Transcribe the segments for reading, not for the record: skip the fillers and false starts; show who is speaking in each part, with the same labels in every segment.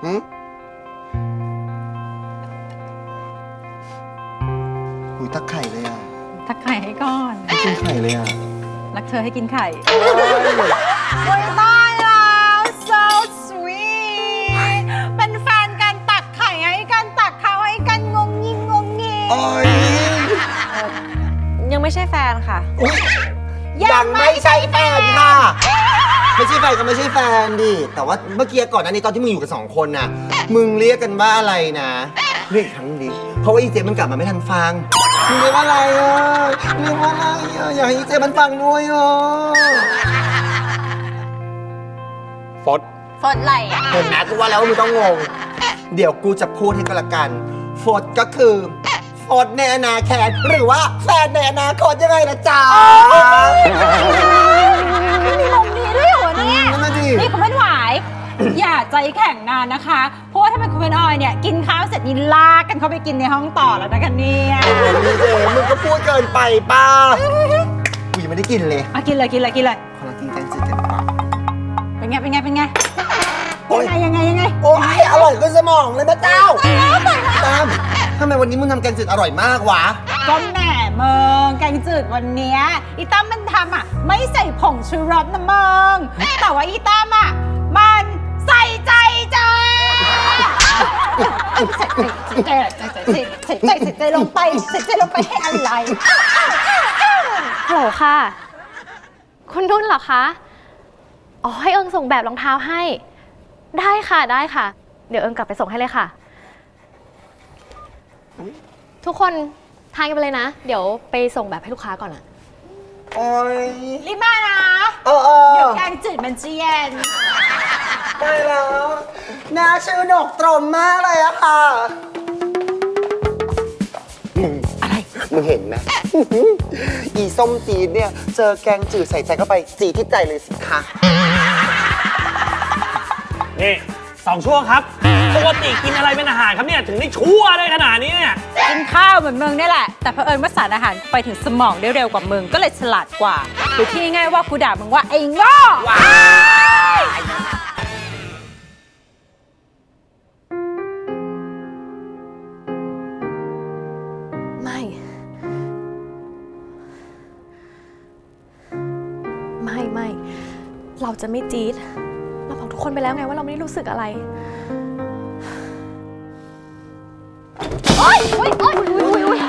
Speaker 1: หุยทักไข่เลยอ่ะ
Speaker 2: ทักไข่ให้ก่อน
Speaker 1: ไม่กินไข่เลยอ่ะ
Speaker 2: รักเธอให้กินไข่
Speaker 1: โอ้ย
Speaker 2: ตายแล้ว so sweet เป็นแฟนกันตักไข่ให้กันตักข้าวให้กันงงงิงงงงิง
Speaker 1: โอ้ย
Speaker 3: ยังไม่ใช่แฟนค่ะ
Speaker 1: อุ๊ยยังไม่ใช่แฟนค่ะ ไม่ใช่แฟนก็ไม่ใช่แฟนดิ แต่ว่าเมื่อกี้ก่อนหน้านี้ตอนที่มึงอยู่กัน2 คนน่ะ มึงเรียกกันว่าอะไรนะเรียกอีกครั้งดิ เพราะว่าอีเจมันกลับมาไม่ทันฟัง มึงเรียกว่าอะไรอ่ะเรียกว่าอะไรอ่ะอยากให้อีเจมันฟังด้วยอ่ะ
Speaker 4: ฟด
Speaker 2: ฝนไหลอ่ะ
Speaker 1: เห็นไหมกูว่าแล้วว่ามึงต้องงง เดี๋ยวกูจะพูดให้ก็แล้วกันโฟดก็คือโฟดในอนาคตหรือว่าแฟนในอนาคตยังไงนะจ๊ะ
Speaker 2: มีลมดีด้วยเหรอเนี่ย
Speaker 1: นั่นน่ะดิ
Speaker 2: นี่คุณเป็นหวาย อย่าใจแข็งนานนะคะ เพราะว่าถ้าเป็นคุณเป็นออยเนี่ย กินข้าวเสร็จนี่ลากกันเข้าไปกินในห้องต่อแล้วนะคะเนี่ย
Speaker 1: โอ้ยเจมึงก็พูดเกินไปป้ากูยังไม่ได้กินเลย
Speaker 2: อ่ะกินเลยกินเลยกินเลย
Speaker 1: ขอลองกินแกงจืดกันดีกว่า
Speaker 2: เป็นไงเป็นไงเป็นไง
Speaker 1: โอ้ย
Speaker 2: ยังไงยังไง
Speaker 1: โอ้ยอร่อยขึ้นสมองเลยนะเจ้าตามทำไมวันนี้มึงทำแกงจืดอร่อยมากวะ
Speaker 2: ก็แหม่เมืองแกงจืดวันเนี้ยอีตั้มมันทำอ่ะไม่ใส่ผงชูรสนะเมืองแต่ว่าอีตั้มอ่ะมันใส่ใจจ้าใส่ใจลงไปใส่ใจลงไปให้อะไร
Speaker 3: ฮัลโหลค่ะ คุณนุ่นเหรอคะ อ๋อ ให้เอิงส่งแบบรองเท้าให้ ได้ค่ะ ได้ค่ะ เดี๋ยวเอิงกลับไปส่งให้เลยค่ะ ทุกคนทานกันไปเลยนะ เดี๋ยวไปส่งแบบให้ลูกค้าก่อนอะ
Speaker 1: โอ้ย
Speaker 2: รีบมานะ
Speaker 1: เอ
Speaker 2: เดี๋ย
Speaker 1: อ
Speaker 2: วแกงจืดมันจะเย็น
Speaker 1: ไปแล้วน่าชื่อดกตรมมากเลยอะค่ะมึง
Speaker 2: อะไร
Speaker 1: มึงเห็นไหม อีส้มจีดเนี่ยเจอแกงจืดใส่ใจเข้าไปจีดที่ใจเลยสิคะ
Speaker 4: นี่2 ช่วงครับ ปกติกินอะไรเป็นอาหารครับเนี่ย ถึงได้ชั่วได้ขนาดนี้เนี่ย
Speaker 2: กินข้าวเหมือนมึงนี่แหละ แต่เผอิญว่าสารอาหารไปถึงสมองได้เร็วกว่ามึงก็เลยฉลาดกว่าหรือที่ง่ายๆว่ากูด่ามึงว่าไอ้โง่
Speaker 3: ไม่ ไม่ เราจะไม่จี๊ด เราบอกทุกคนไปแล้วไงว่าเราไม่ได้รู้สึกอะไร โอ๊ยโอ๊ยโอ๊ยอุ๊ย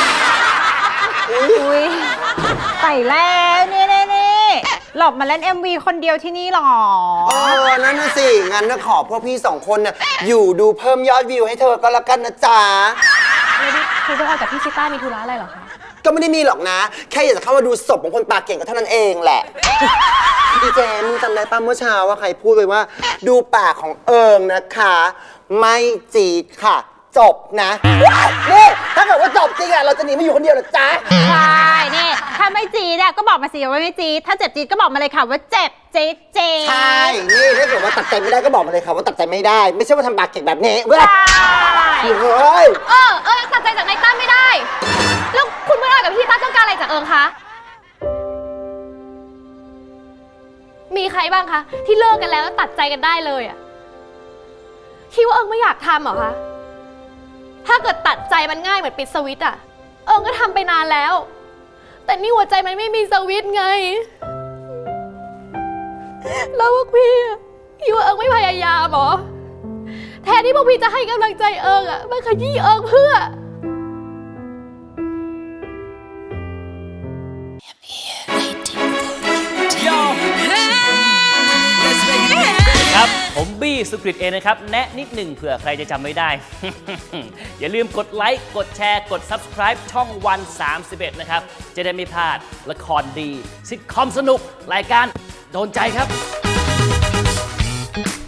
Speaker 2: อุ้ยไปแล้วนี่หลบมาเล่น MV คนเดียวที่นี่หรอ
Speaker 1: นั่นน่ะสิ งั้นนะขอพวกพี่2 คนน่ะอยู่ดูเพิ่มยอดวิวให้เธอก็แล้วกันนะจ๊ะ
Speaker 3: แล้วนี่คือพวกเรากับพี่ชิต้ามีธุระอะไรเหรอคะ
Speaker 1: ก็ไม่ได้มีหรอกนะ แค่อยากจะเข้ามาดูศพของคนปากเก่งก็เท่านั้นเองแหละ ดีเจมึงจำได้ป่ะเมื่อเช้าว่าใครพูดไปว่า ดูปากของเอิงนะคะ ไม่จีดค่ะ จบนะนี่ถ้าเกิดว่าจบจริงอะเราจะหนีมาอยู่คนเดียวเหรอจ๊ะ
Speaker 2: ใช่นี่ถ้าไม่จีดอะก็บอกมาสิว่าไม่จีดถ้าเจ็บจีดก็บอกมาเลยค่ะว่าเจ็บจี๊ดจี๊ด
Speaker 1: ใช่ นี่ถ้าเกิดว่าตัดใจไม่ได้ก็บอกมาเลยค่ะว่าตัดใจไม่ได้ ไม่ใช่ว่าทำปากเก่งแบบนี้เว้ย
Speaker 2: ใช่
Speaker 1: เฮ้ย
Speaker 3: ตัดใจจากนายตั้มไม่ได้ แล้วคุณเมื่อไหร่กับพี่ตั้มต้องการอะไรจากเอิงคะ มีใครบ้างคะ ที่เลิกกันแล้วตัดใจกันได้เลยอะคิดว่าเอิงไม่อยากทำเหรอคะ ถ้าเกิดตัดใจมันง่ายเหมือนปิดสวิตช์อะเอิงก็ทำไปนานแล้ว แต่นี่หัวใจมันไม่มีสวิตช์ไง แล้วพวกพี่คิดว่าเอิงไม่พยายามเหรอ แทนที่พวกพี่จะให้กำลังใจเอิงอะมาขยี้เอิงเพื่อ
Speaker 5: ครับผมบี้สุกริตเองนะครับแนะนิดหนึ่งเผื่อใครจะจำไม่ได้ อย่าลืมกดไลค์กดแชร์กด Subscribe ช่องวัน31นะครับจะได้ไม่พลาดละครดีซิทคอมสนุกรายการโดนใจครับ